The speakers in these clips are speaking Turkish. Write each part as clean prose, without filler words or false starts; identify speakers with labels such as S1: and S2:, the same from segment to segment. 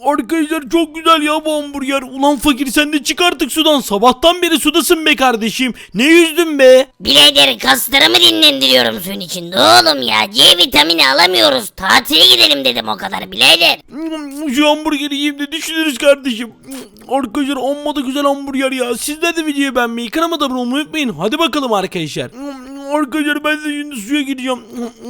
S1: Arkadaşlar çok güzel ya bu hamburger. Ulan fakir sen de çık artık sudan. Sabahtan beri sudasın be kardeşim. Ne yüzdün be?
S2: Birader kaslarımı dinlendiriyorum suyun içinde oğlum ya. C vitamini alamıyoruz. Tatile gidelim dedim o kadar birader.
S1: Şu hamburgeri yiyeyim de düşünürüz kardeşim. Arkadaşlar amma da güzel hamburger ya. Sizler de videoyu beğenmeyi, kanalıma da abone olmayı unutmayın. Hadi bakalım arkadaşlar. Arkadaşlar ben de şimdi suya gideceğim.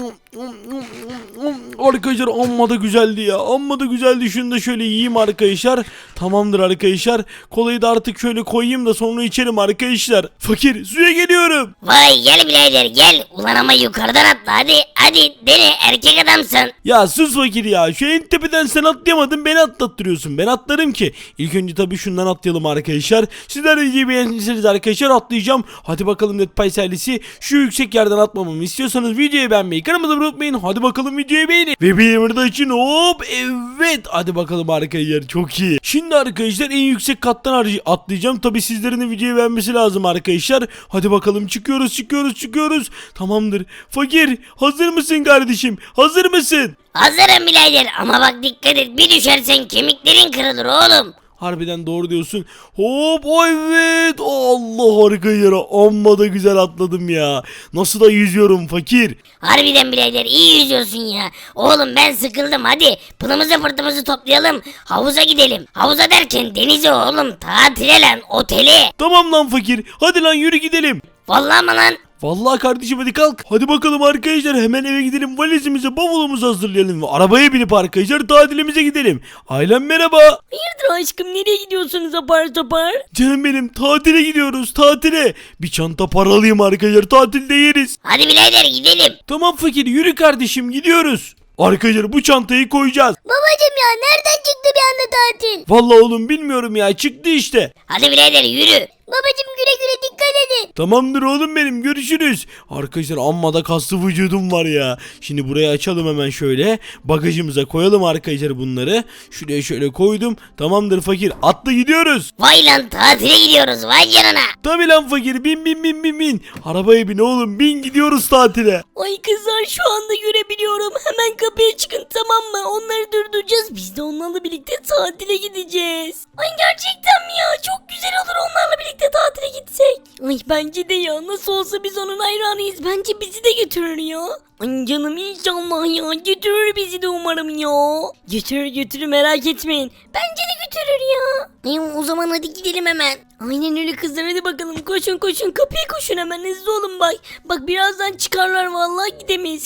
S1: Arkadaşlar amma da güzeldi ya. Amma da güzeldi. Şunu da şöyle yiyeyim arkadaşlar. Tamamdır arkadaşlar. Kolayı da artık şöyle koyayım da sonra içerim arkadaşlar. Fakir suya geliyorum.
S2: Vay gel birader gel. Ulan ama yukarıdan atla hadi dene erkek adamsın.
S1: Ya sus fakir ya. Şu en tepeden sen atlayamadın, beni atlattırıyorsun. Ben atlarım ki. İlk önce tabii şundan atlayalım arkadaşlar. Sizler de videoyu beğendiyseniz arkadaşlar atlayacağım. Hadi bakalım Netpies ailesi. Şu yüksek yerden atmamamı istiyorsanız videoyu beğenmeyi, kanalıma da abone olmayı unutmayın. Hadi bakalım videoyu beğenin. Ve bir de için hop evet. Hadi bakalım arkadaşlar çok iyi. Şimdi arkadaşlar en yüksek kattan atlayacağım. Tabii sizlerin de videoyu beğenmesi lazım arkadaşlar. Hadi bakalım çıkıyoruz. Tamamdır. Fakir hazır mısın kardeşim? Hazır mısın?
S2: Hazırım birader ama bak dikkat et bir düşersen kemiklerin kırılır oğlum.
S1: Harbiden doğru diyorsun. Hop evet. Allah harika yere. Amma da güzel atladım ya. Nasıl da yüzüyorum fakir.
S2: Harbiden birader iyi yüzüyorsun ya. Oğlum ben sıkıldım hadi pılımızı fırtımızı toplayalım. Havuza gidelim. Havuza derken denize oğlum tatile lan otele.
S1: Tamam lan fakir. Hadi lan yürü gidelim.
S2: Vallahi mı lan?
S1: Vallahi kardeşim hadi kalk. Hadi bakalım arkadaşlar hemen eve gidelim, valizimizi bavulumuzu hazırlayalım ve arabaya binip arkadaşlar tatilimize gidelim. Ailem merhaba.
S3: Hayırdır aşkım nereye gidiyorsunuz apar topar?
S1: Canım benim tatile gidiyoruz tatile. Bir çanta para alayım arkadaşlar, tatilde yeriz.
S2: Hadi birader gidelim.
S1: Tamam fakir yürü kardeşim gidiyoruz. Arkadaşlar bu çantayı koyacağız.
S3: Babacım ya nereden çıktı bir anda tatil?
S1: Vallahi oğlum bilmiyorum ya, çıktı işte.
S2: Hadi birader yürü.
S3: Babacım güle güle dikkat edin.
S1: Tamamdır oğlum benim, görüşürüz. Arkadaşlar amma da kaslı vücudum var ya. Şimdi burayı açalım hemen şöyle. Bagajımıza koyalım arkadaşlar bunları. Şuraya şöyle koydum. Tamamdır fakir, atla gidiyoruz.
S2: Vay lan tatile gidiyoruz vay canına.
S1: Tabi lan fakir, bin. Arabaya bin oğlum, bin, gidiyoruz tatile.
S3: Ay kızlar şu anda görebiliyorum. Hemen kapıya çıkın tamam mı? Onları durduracağız. Biz de onlarla birlikte tatile gideceğiz. Ay gerçekten mi ya? Çok güzel olur onlarla birlikte tatile gitsek. Ay bence de ya. Nasıl olsa biz onun hayranıyız. Bence bizi de götürür ya. Ay canım inşallah ya. Götürür bizi de umarım ya. Götürür merak etmeyin. Bence de götürür ya. Ay o zaman hadi gidelim hemen. Aynen öyle kızlar hadi bakalım koşun kapıya koşun hemen hızlı olun bak. Bak birazdan çıkarlar vallahi gidemeyiz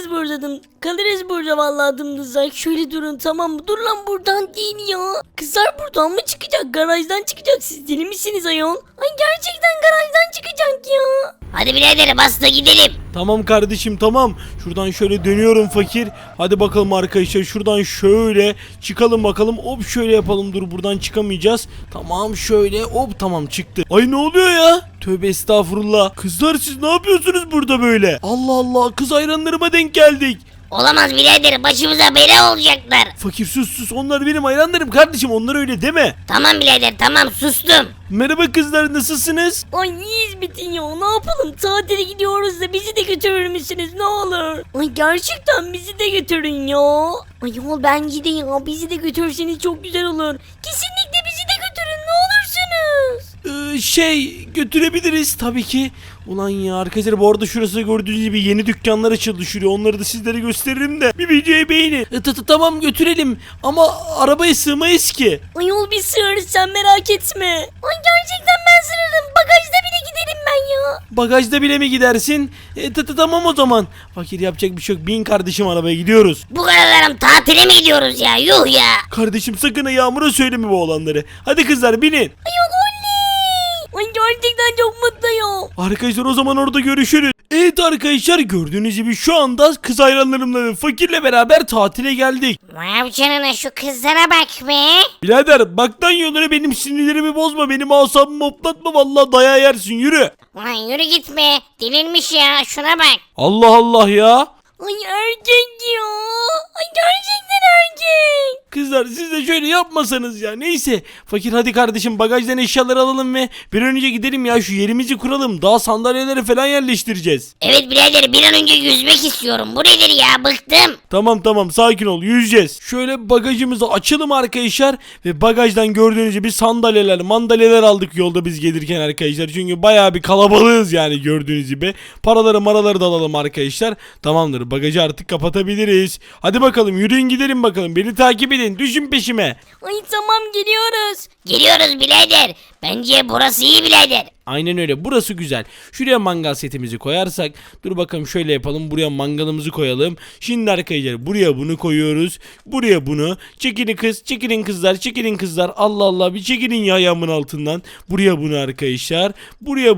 S3: kalırız burada vallahi dımdızak. Şöyle durun tamam mı? Dur lan buradan değil ya. Kızlar buradan mı çıkacak? Garajdan çıkacak. Siz deli misiniz ayol? Ay gerçekten garajdan çıkacak ya.
S2: Hadi birader bas da gidelim.
S1: Tamam kardeşim tamam. Şuradan şöyle dönüyorum fakir. Hadi bakalım arkadaşlar şuradan şöyle çıkalım bakalım. Hop şöyle yapalım, dur buradan çıkamayacağız. Tamam şöyle hop tamam çıktı. Ay ne oluyor ya? Tövbe estağfurullah. Kızlar siz ne yapıyorsunuz burada böyle? Allah Allah, kız hayranlarıma denk geldik.
S2: Olamaz birader başımıza bela olacaklar.
S1: Fakir sus, onlar benim hayranlarım kardeşim, onlar öyle deme.
S2: Tamam birader tamam sustum.
S1: Merhaba kızlar, nasılsınız?
S3: Ay iyiyiz Bitin ya ne yapalım tatile gidiyoruz da bizi de götürür müsünüz ne olur? Ay gerçekten bizi de götürün ya. Ay yol bence de ya bizi de götürseniz çok güzel olur. Kesinlikle bizi de götürün ne olursunuz.
S1: Götürebiliriz tabii ki. Ulan ya arkadaşlar bu arada şurası gördüğünüz gibi yeni dükkanlar açıldı şuraya, onları da sizlere gösteririm de bir videoyu beğenin. Tamam götürelim ama arabaya sığmayız ki.
S3: Ay yol bir sığarız sen merak etme. Ay gerçekten ben sığarım bagajda bile giderim ben ya.
S1: Bagajda bile mi gidersin? Tamam o zaman. Fakir yapacak bir şey yok, bin kardeşim arabaya gidiyoruz.
S2: Bu kadar adam tatile mi gidiyoruz ya yuh ya.
S1: Kardeşim sakın ha Yağmur'a söyleme bu olanları. Hadi kızlar binin.
S3: Ay yol oley. Ay gerçekten çok mutluyum.
S1: Arkadaşlar o zaman orada görüşürüz. Evet arkadaşlar gördüğünüz gibi şu anda kız hayranlarımla ve fakirle beraber tatile geldik.
S2: Vay canına şu kızlara bak be.
S1: Birader baktan yollara benim sinirlerimi bozma, benim asabımı hoplatma, vallahi dayağı yersin, yürü.
S2: Ulan yürü gitme delirmiş ya şuna bak.
S1: Allah Allah ya.
S3: Ay erkek ya. Ay gerçekten erkek.
S1: Kız kızlar siz de şöyle yapmasanız ya. Neyse fakir hadi kardeşim bagajdan eşyaları alalım ve bir an önce gidelim ya, şu yerimizi kuralım. Daha sandalyeleri falan yerleştireceğiz.
S2: Evet birader bir an önce yüzmek istiyorum. Bu nedir ya, bıktım.
S1: Tamam sakin ol, yüzeceğiz. Şöyle bagajımızı açalım arkadaşlar ve bagajdan gördüğünüz gibi mandalyeler aldık yolda biz gelirken arkadaşlar. Çünkü bayağı bir kalabalığız yani gördüğünüz gibi. Maraları da alalım arkadaşlar. Tamamdır, bagajı artık kapatabiliriz. Hadi bakalım yürüyün gidelim bakalım. Beni takip edin, düşün peşime.
S3: Ay tamam geliyoruz.
S2: Geliyoruz birader. Bence burası iyi birader.
S1: Aynen öyle, burası güzel. Şuraya mangal setimizi koyarsak, dur bakalım şöyle yapalım, buraya mangalımızı koyalım. Şimdi arkadaşlar buraya bunu koyuyoruz, buraya bunu. Çekilin kızlar, Allah Allah bir çekilin ya ayağımın altından. Buraya bunu arkadaşlar, buraya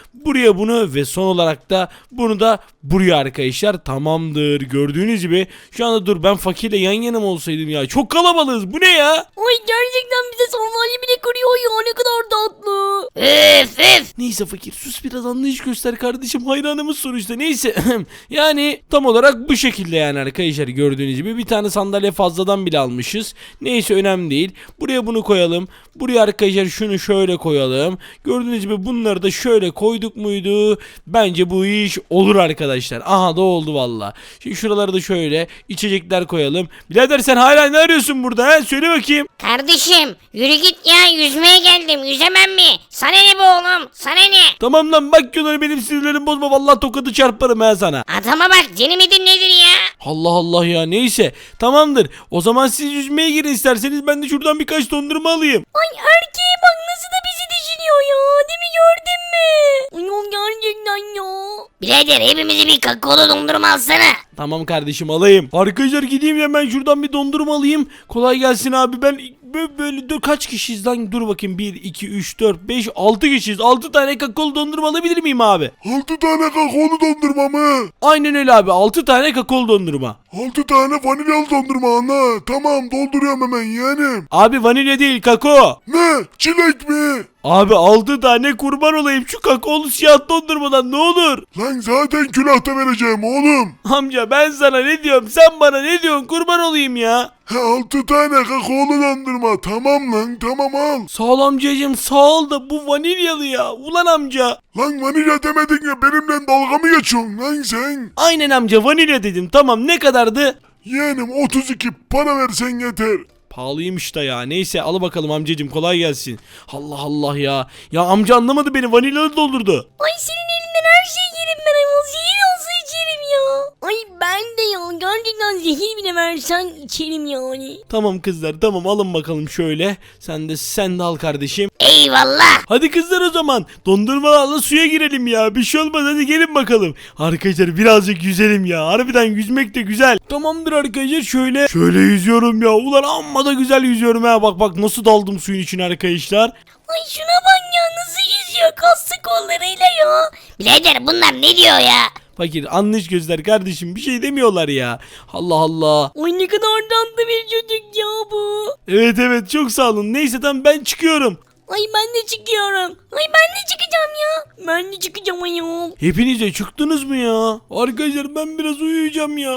S1: bunu ve son olarak da bunu da buraya arkadaşlar. Tamamdır, gördüğünüz gibi. Şu anda dur, ben fakirle yan yana mı olsaydım ya, çok kalabalığız, bu ne ya?
S3: Ay gerçekten bize sandalye bile kırıyor ya, ne kadar tatlı.
S2: Üf.
S1: Neyse fakir sus, biraz anlayış göster kardeşim, hayranımız sonuçta. Neyse yani tam olarak bu şekilde yani arkadaşlar, gördüğünüz gibi bir tane sandalye fazladan bile almışız. Neyse önemli değil, buraya bunu koyalım, buraya arkadaşlar şunu şöyle koyalım. Gördüğünüz gibi bunları da şöyle koyduk muydu, bence bu iş olur arkadaşlar. Aha da oldu valla. Şimdi şuraları da şöyle içecekler koyalım. Birader sen hala ne arıyorsun burada, he? Söyle bakayım.
S2: Kardeşim yürü git ya, yüzmeye geldim, yüzemem mi? Sana ne bu oğlum, sana ne?
S1: Tamam lan, bak Yunan'ı, benim sinirlerimi bozma, vallahi tokadı çarparım ha sana.
S2: Adama bak, deli midir nedir ya?
S1: Allah Allah ya, neyse tamamdır. O zaman siz yüzmeye girin isterseniz, ben de şuradan birkaç dondurma alayım.
S3: Ay erkeğe bak nasıl da bizi düşünüyor ya, değil mi, gördün mü? Ay o gerçekten ya.
S2: Birader hepimize bir kakaolu dondurma alsana.
S1: Tamam kardeşim, alayım. Arkadaşlar gideyim hemen şuradan bir dondurma alayım. Kolay gelsin abi, ben böyle dur, kaç kişiyiz lan, dur bakayım, 1 2 3 4 5 6 kişiyiz. 6 tane kakaolu dondurma alabilir miyim abi?
S4: 6 tane kakaolu dondurma mı?
S1: Aynen öyle abi, 6 tane kakaolu dondurma.
S4: 6 tane vanilyalı dondurma ana. Tamam dolduruyorum hemen yeğenim.
S1: Abi vanilya değil, kakao.
S4: Ne? Çilek mi?
S1: Abi 6 tane, kurban olayım şu kakaolu siyah dondurmadan, ne olur.
S4: Lan zaten külahta vereceğim oğlum.
S1: Amca ben sana ne diyorum, sen bana ne diyorsun, kurban olayım ya.
S4: 6 tane kakaolu dondurma. Tamam lan tamam al.
S1: Sağ ol amcacığım, sağ ol da bu vanilyalı ya. Ulan amca.
S4: Lan vanilya demedin ya, benimle dalga mı geçiyorsun lan sen?
S1: Aynen amca, vanilya dedim. Tamam, ne kadardı?
S4: Yeğenim 32, para versen yeter.
S1: Pahalıymış da ya. Neyse al bakalım amcacığım, kolay gelsin. Allah Allah ya. Ya amca anlamadı beni, vanilyalı doldurdu.
S3: Ay senin elinden her şeyi yerim ben ayol, zehir olsa içerim ya. Ay ben de ya, gerçekten zehir bile versen içerim yani.
S1: Tamam kızlar, tamam alın bakalım şöyle. Sen de al kardeşim.
S2: Eyvallah.
S1: Hadi kızlar o zaman dondurmalarla suya girelim ya. Bir şey olmaz, hadi gelin bakalım. Arkadaşlar birazcık yüzelim ya. Harbiden yüzmek de güzel. Tamamdır arkadaşlar, şöyle yüzüyorum ya. Ulan amma da güzel yüzüyorum ha. Bak nasıl daldım suyun içine arkadaşlar.
S3: Ay şuna bak ya, nasıl yüzüyor kaslı kollarıyla ya.
S2: Birader bunlar ne diyor ya?
S1: Fakir anlayış gözler kardeşim, bir şey demiyorlar ya. Allah Allah.
S3: Ay ne kadar tatlı bir çocuk ya bu.
S1: Evet çok sağ olun. Neyse tamam, ben çıkıyorum.
S3: Ay ben de çıkıyorum. Ay ben de çıkacağım ya. Ben de çıkacağım ayol.
S1: Hepiniz de çıktınız mı ya? Arkadaşlar ben biraz uyuyacağım ya.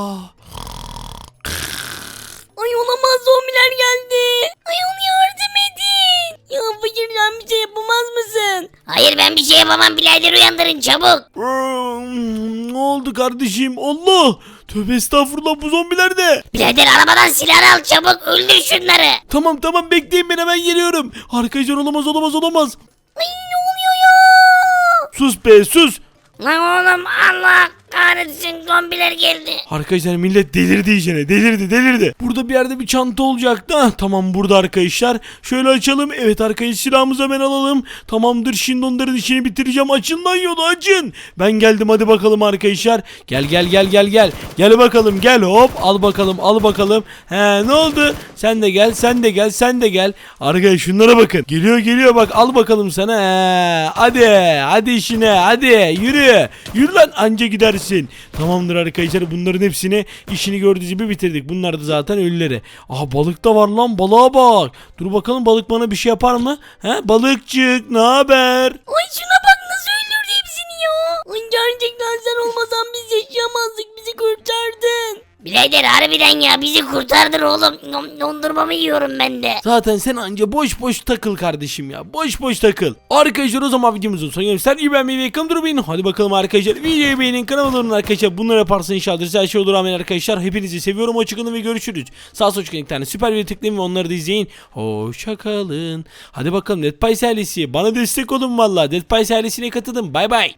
S3: Ay olamaz, zombiler geldi. Ayol yardım edin. Ya fakir sen bir şey yapamaz mısın?
S2: Hayır ben bir şey yapamam birader, uyandırın çabuk.
S1: Ne oldu kardeşim? Allah! Tövbe estağfurullah, bu zombiler de.
S2: Birader arabadan silahını al çabuk, öldür şunları.
S1: Tamam bekleyin, ben hemen geliyorum. Arkadaşlar olamaz.
S3: Ay ne oluyor ya?
S1: Sus be sus.
S2: Lan oğlum Allah kahretsin, zombiler geldi.
S1: Arkadaşlar millet delirdi iyicene, delirdi. Burada bir yerde bir çanta olacaktı. Tamam burada arkadaşlar. Şöyle açalım. Evet arkadaşlar, silahımızı hemen alalım. Tamamdır, şimdi onların işini bitireceğim. Açın lan yolu, açın. Ben geldim, hadi bakalım arkadaşlar. Gel. Gel bakalım, gel, hop al bakalım. Ne oldu? Sen de gel. Arkadaşlar şunlara bakın. Geliyor bak, al bakalım sana. Hadi işine, hadi yürü lan, anca gidersin. Tamamdır arkadaşlar, bunların hepsini işini gördüğünüz gibi bitirdik. Bunlar da zaten ölüleri. Aha balık da var lan, balığa bak. Dur bakalım, balık bana bir şey yapar mı? Balıkçık ne haber?
S3: Ay şuna bak nasıl öldürdü hepsini ya. Ay gerçekten sen olmasan biz yaşayamazdık, bizi kurtardın.
S2: Birader harbiden ya bizi kurtardın oğlum. Dondurmamı yiyorum ben de.
S1: Zaten sen anca boş boş takıl kardeşim ya. Boş boş takıl. Arkadaşlar o zaman videomuzun sonuna geldik. Sen iyi beğenmeyi ve yakın durmayın. Hadi bakalım arkadaşlar. Videoyu beğenin. Kanalıma olun arkadaşlar. Bunları yaparsan inşallah her şey olur. Amin arkadaşlar. Hepinizi seviyorum. Hoşçakalın ve görüşürüz. Sağ sol çıkan 2 tane süper video tıklayın ve onları da izleyin. Hoşçakalın. Hadi bakalım Dead Pies ailesi. Bana destek olun valla. Dead Pies ailesine katılın. Bay bay.